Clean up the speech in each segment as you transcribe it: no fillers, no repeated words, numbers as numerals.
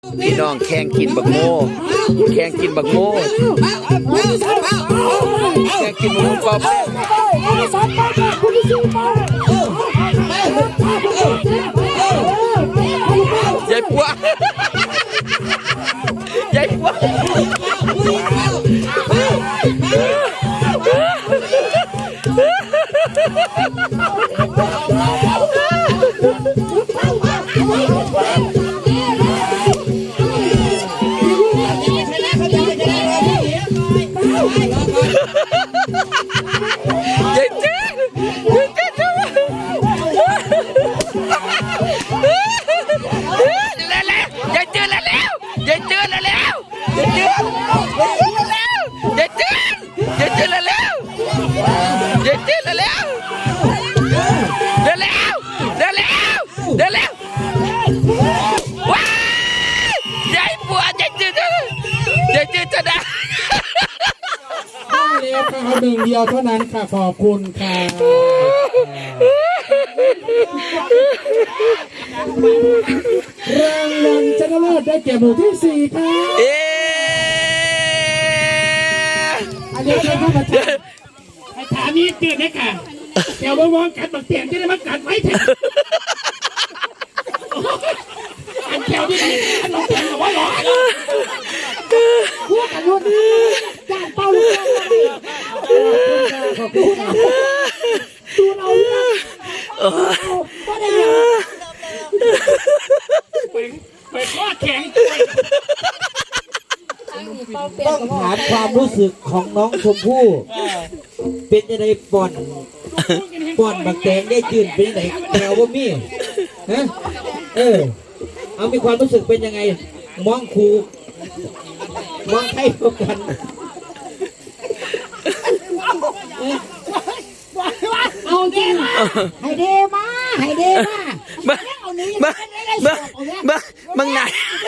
พี่น้องแข่งกินบักโม่แข่งกินบักโม่แข่งกินบักโม่ป๊อปยายปัวยายปัวยายเจ๊จะได้เล็กเขาหนึ่งเดียวเท่านั้นค่ะขอบคุณค่ะรางวัลชนะเลิศได้แก่หมู่ที่4ค่ะอันนี้เป็นข้าพเจ้าถามนี้เกิดได้ค่ะเดี๋ยวมองกัดบักเตียงจะได้มากัดไว้เถอะอันเดียวนี่อันหลงเตียงเอาไว้หรอพวกกันรุ่นจานเป้าลูกดูเราก็ได้ไปข้อแข็งต้องถามความรู้สึกของน้องชมพู่เป็นยังไงป่อนบักแตงได้จืดเป็นยังไงแถวว่ามีฮะเอามีความรู้สึกเป็นยังไงมองครูมองใครพบกันเอาจริงให้เดมามึงไหน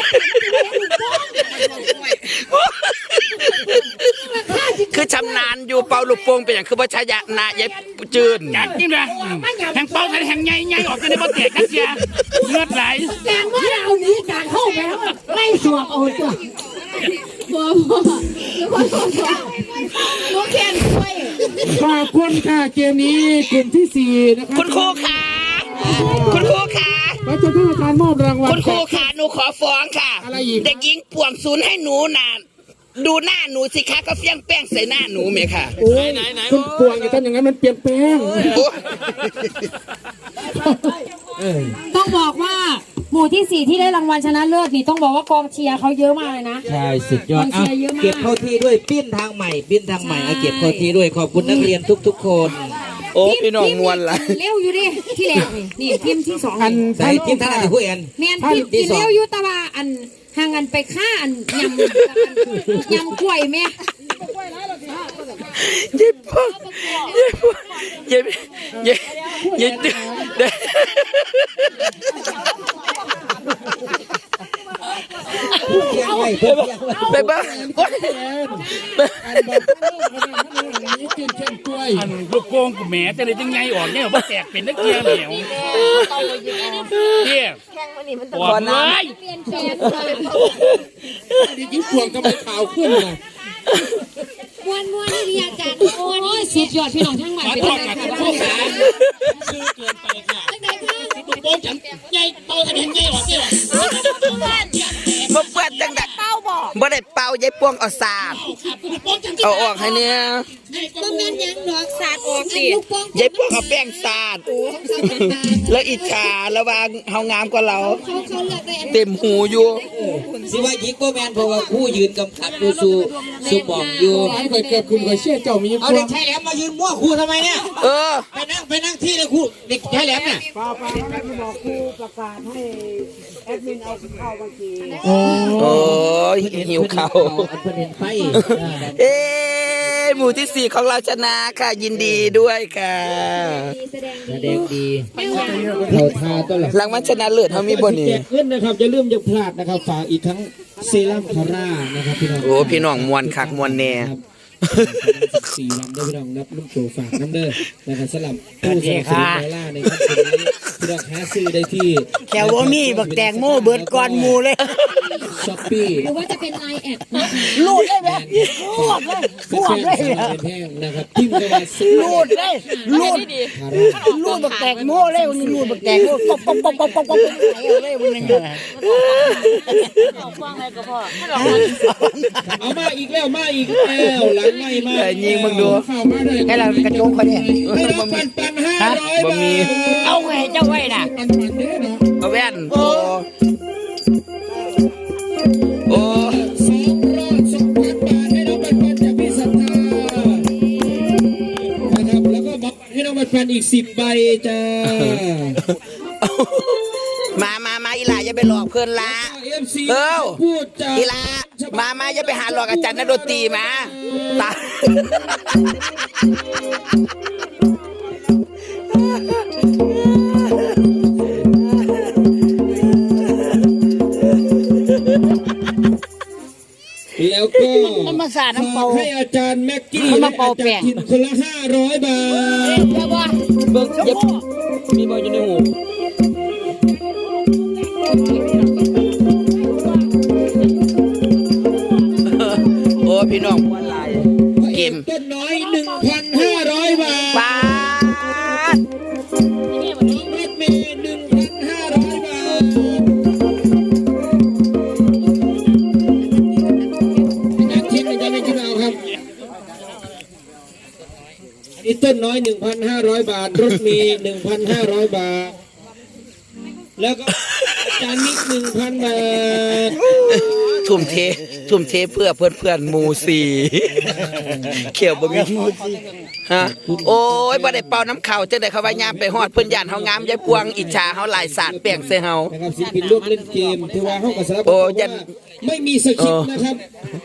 คือชำนาญอยู่เป่าลูกโป่งเป็นอย่างคือว่าชายะนายจืนจัดจริงเลยแห่งเป่าแห่งใหญ่ออกกันในบ่อแตกกันเสียเลือดไหลแกงว่าเอานี้การเข้าไปแล้วไล่สวบเอาตัวลูกแคนช่วยขอบคุณค่ะเกมนี้กลุ่มที่4นะครับคุณครูค่ะคุณครูค่ะเราจะต้องการมอบรางวัลคุณครูค่ะหนูขอฟ้องค่ะเด็กหญิงป่วงศูนย์ให้หนูนานดูหน้าหนูสิคะก็เฟี้ยงแป้งใส่หน้าหนูไหมค่ะไหนคุณปวงอย่าทำอย่างนั้นมันเปลี่ยนแปลงต้องบอกว่าหมู่ที่4ที่ได้รางวัลชนะเลิศนี่ต้องบอกว่ากองเชียร์เขาเยอะมากเลยนะใช่สุดยอดเก็บเข้าที่ด้วยปิ้นทางใหม่เก็บเข้าที่ด้วยขอบคุณนักเรียนทุกคนโอ้พี่น้องมวลละเร็วอยู่ดิที่แรกนี่ทีมที่2 อันใส่ทีมท่านอะไรผู้เอ็นแมนทีมเร็วอยู่ตะว่าอันห่างกันไปฆ่าอันยำกล้วยแม่ยิบไปบ้างอันลูกโป่งกูแหมจะเลยจังไงออกเนี่ยว่าแตกเป็นนักเกียร์เหนียวเนี่ยปวดเลยนี่ยิ่งปวดก็ไม่ข่าวขึ้นเลยม้วนนี่เรียจัดโอ้ยสุดยอดพี่น้องทั้งหมดเป็นยังไงคะโค้งขาชื่อเกินไปค่ะลูกโป่งฉันใหญ่โตขนาดนี้หรอเจ้าบ่เปิดจังดักเป่าบ่ได้เป่ายายปวงเอาสาดเอาออกให้เนี่ยบ่แม่นยังดอกสาดออกสิยายปวงเอาแป้งสาดแล้วอิจฉาระวังเฮางามกว่าเราเต็มหูอยู่สิว่ายิงบ่แม่นเพราะว่าผู้ยืนกำกับดูสู่มองอยู่เคยเกิดคุณเคยเชื่อเจ้ามีเอาเด็กชายแหลมมายืนมั่วครูทำไมเนี่ยไปนั่งที่เลยครูเด็กชายแหลมเนี่ยไปบอกครูประกาศให้แอดมินเอาข้าวมากินโอ้ยหิวข้าวประเด็นไฟหมู่ที่4ของเราชนะค่ะยินดีด้วยค่ะแสดงดีเขาทาต้นหลังรางวัลชนะเลิศเขามีบนนี้ขึ้นนะครับจะลืมอย่าพลาดนะครับฝากอีกทั้งเซรั่มคาร่านะครับพี่น้องโอ้พี่น้องมวนคักมวนแน่ 4 ลำด้วยพี่น้องนับลูกโตฝากน้ำเด้อนะครับสลับผู้สนับสนุนไลล่าในครั้งนี้พี่น้องหาซื้อได้ที่แถวว่ามีบักแตงโมเบิดก่อนหมูเลยช้อปปี้หรือว่าจะเป็นไลน์แอดรูดเลยไหมรูดเลยเป็นรูดแฟเลยนสาวเป็นแห้งนะครับพิมพ์เข้ามาซื้อรูดเลยรูดรูดบักแตงโมเลยวันนี้รูดบักแตงโมป๊อกป๊อกป๊อกป๊อกป๊อกป๊อกไหลเอาเลยวันนี้เอามาอีกแล้วมาอีกแล้วหลังไม่มายิงมึงดูเข้ามาเลยให้เรากระโจกเขาเนี่ยให้น้องปันปัน500 บ่บามีทเอาไงเจ้าไว้น่ะปันปันเด้อเนาะเอาแว่นโอ้โอ้ 2,200 บาทให้น้องปันปันจากพี่ศรัทธานะครับแล้วก็บอกให้น้องปันปันอีก10 ใบจ้ามาอีหลาอย่าไปหลอกเพื่อนละ FC เอ้าพูดจาอีหลามาอย่าไปหาหลอกอาจารย์นักดนตรีมาตาแล้วก็มันมาสาดน้ำเปล่าฝากให้อาจารย์แม็กกี้มันและมาเป่าอาแป้จารง ย์ทินคนละ500 บาทเจ้าว่าเบิ่งอย่ามีบอลอยู่ในหูโอ้พี่น้องมวนหลายเกมต้นน้อย 1,500 บาทป้าดน้องรถเมย์ 1,500 บาทนักเช็คอาจารย์แม็กกี้เอาครับนี่ต้นน้อย 1,500 บาท รถเมย์ 1,500 บาท แล้วก็อาจารย์มิก 1,000 บาททุ่มเทเพื่อเพื่อนหมูสีเขียวบ่มีฮะโอ้ยบ่ได้เป่าน้ำเข่าจังได๋เขาว่ายามไปฮอดเพิ่นย่านเฮางามยายปวงอิจฉาเฮาหลายสาดแป้งใส่เฮานะครับศิลปินร่วมเล่นเกมถือว่าเฮากับสารพัดโอ้ยันไม่มีสคริปต์นะครับ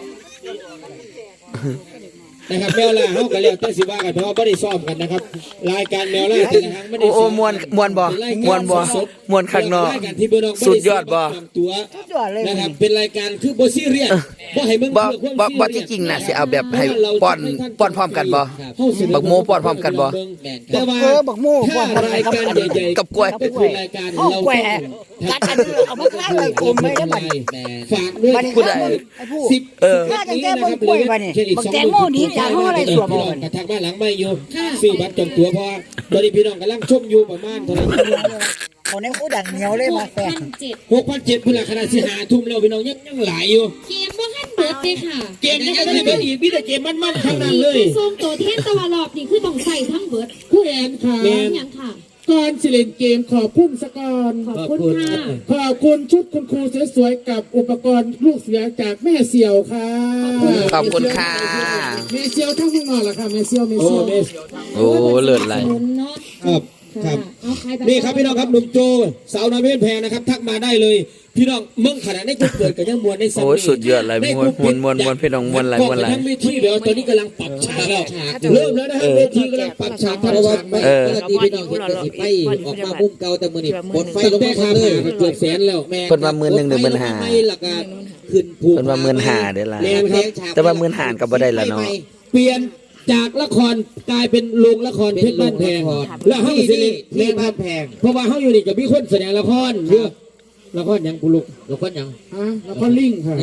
นะครับแมวล่าเฮาก็แล้วแต่สิว่ากันเพราะว่าบ่ได้ซ้อมกันนะครับรายการแมวล่าแต่ละครั้งไม่ได้โอ้มวนบ่มวนบ่มวนข้างนอกรายการที่พี่น้องสุดยอดบ่ตัวนะครับเป็นรายการคือบ่ซีเรียสบ่ให้มึงบ่เพื่อความบ่ซีเยสที่จริงน่ะสิเอาแบบให้ป้อนพร้อมกันบ่บักโมป้อนพร้อมกันบ่แต่ว่าบักโม่ก่อนถ้ารายการใหญ่ๆกับกล้วยเป็นรายการเอาเราแกว่กัดอันนี้เอามาฆ่าเลยกลมไม่ได้บัดฝากด้วยบัดนี้ผู้ใดไอ้ผู้เออน่าจะแก้บนกล้วยบัดนี้บักแตงโมดีจากเขาอะไรสวมบ่กระทักบ้านหลังไม่อยู่ซื้อบัตรจองตั๋วเพราะว่าตอนนี้พี่น้องกำลังชมอยู่ประมาณเท่าไหร่เขาในผู้ดังเหนียวเลยมาแตง 6,700พุ่นละขนาดสิหาทุ่มแล้วพี่น้องยังหลายอยู่เกมว่าขั้นเบิร์ดเลยค่ะเกมยังไม่ได้เบิดอีกมีแต่เกมมันๆทั้งนั้นเลยทรงตัวเทียนตะวันรอบนี่คือต้องใส่ทั้งเบิร์ดผู้แอนค่ะแม่นยังค่ะก่อนสิเล่นเกมขอบคุณสกอนขอบคุณค่ะขอบคุณชุดคุณครูสวยๆกับอุปกรณ์ลูกเสือจากแม่เสี่ยวค่ะขอบคุณค่ะแม่เสี่ยวทั้งข้างนอกแหละค่ะแม่เสี่ยวโอ้เมสโอ้เลิศไหลหมุนเนาะครับครับเอาใครแบบนี่ครับพี่น้องครับหนุ่มโจสาวน้อยเพชรแพงนะครับทักมาได้เลย พี่น้องเมืองขนาดในกลุ่มเปิดกันยังมวนในสัโอ้ยสุดยอดเลยมวนพี่น้องมวนหลายมวนหลายทั้งเวทีเดี๋ยวตอนนี้กำลังปรับฉากแล้วเริ่มแล้วนะครับเวทีกำลังปรับฉากเพราะว่าไม่เออปกติพี่น้องเห็นแต่สิไฟออกมามุมเก่าแต่มือนี่บนไฟลงแต่มาค่าเลผ่าย เกือบแสนแล้วแม่เพิ่นว่า15,000 หรือ15,000 ไม่หลักการขึ้นผูกเพิ่นว่า15,000เด้อล่ะแม่นครับแต่ว่า15,000ก็บ่ได้ละเนาะเปลี่ยนจากละครกลายเป็นโรงละครเพชรบ้านแพงแล้วเฮาสิเล่นที่แม่นคบ้ารันบแพงเพราะว่าเฮาอยู่นี่จะมีคนแสดงละครเยอะละครหยังกูลูกแล้วคนยังฮะแล้วก็ลิงค่ะ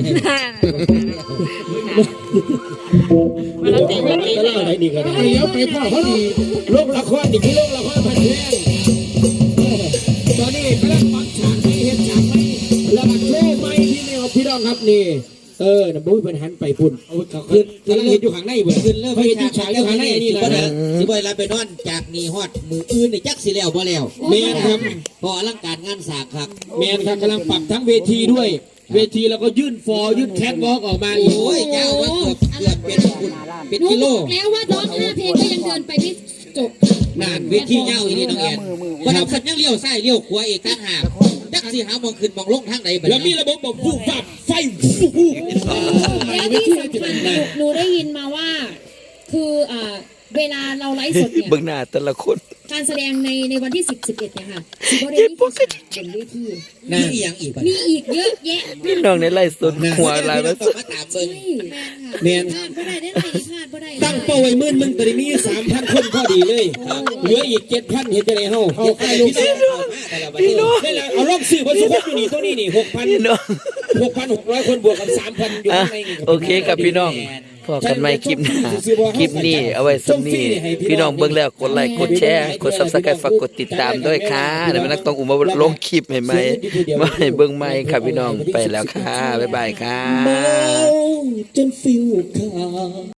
มาแล้วตีมาตีแล้วอะไรนี่ก็ได้เดี๋ยวไปพ่อเขาดีโรงละครนี่คือโรงละครพันแพงตอนนี้กำลังปักฉากให้เฮ็ดฉากให้แล้วก็โชว์ไม้ที่แนวพี่น้องครับนี่น่ะบุ้ยเพิ่นหันไปพุ่นเอาขึ้นกำลังเห็นอยู่ข้างในเบิ่ขึ้นเริ่มเพิ่นเห็นอยู่ฉากอยู่ข้างในนี่สิแหบ่ละได้สิบ่ได้รับไปนอนจากนี่ฮอดมืออื่นนี่จักสิแล้วบ่แล้วแม่นครับพออลังการงานสร้างครับแมนครับกำลังปรับทั้งเวทีด้วย เวทีแล้วก็ยื่นฟอร์ยื่นแคทวอล์กออกมาอีกโอ้ยยาวมาเกือบเป็นคุณเป็นหนูกิโลบอกแล้วว่าร้อง5เพลงก็ยังเดินไปไม่จบนานเวทียาวอีนี่น้องแอนวันนั้นคันยังเลี้ยวซ้ายเลี้ยวขวาอีกต่างหากจักสิหามองขึ้นมองลงทางไหนบัดแล้วมีนี้ระบบแบบฟูฟับไฟฟูฟูแล้วที่สำคัญหนูได้ยินมาว่า คือเวลาเราไลฟ์สดเนี่ยเบิ่งหน้าแต่ละคนการแสดงในวันที่ 10 11เนี่ยค่ะสิบ่ได้มีแค่ฉากบนเวทีมีอีหยังอีกบัดมีอีกเยอะแยะพี่น้องในไล่สดหัวหลายมามาสุดมาตามเบิ่งแมนพลาดบ่ได้ได้ไหมพลาดบ่ได้ตั้งเป้าไว้หมื่นมึงตอนนี้มี 3,000 คนพอดีเลย เหลืออีก 7,000 เห็นจะได้เฮาเอาใกล้ลูกศิษย์บัดนี้ได้แล้วเอาลองซื้อบ่สุขอยู่นี่ตัวนี้นี่พี่น้อง 6,600 คนบวกกับ 3,000 อยู่อ่ะข้างในนี่โอเคครับพี่น้องพอกันใหม่คลิปหน้าคลิปนี้เอาไว้สำนี้พี่น้องเบิ่งแล้วกดไลค์กดแชร์กด Subscribe ฝากกดติดตามด้วยค่ะเดี๋ยวมันนักต้องอุ้มมาลงคลิปให้ใหม่มาให้เบิ่งใหม่ครับพี่น้องไปแล้วค่ะบ๊ายบายค่ะจนฟิวขา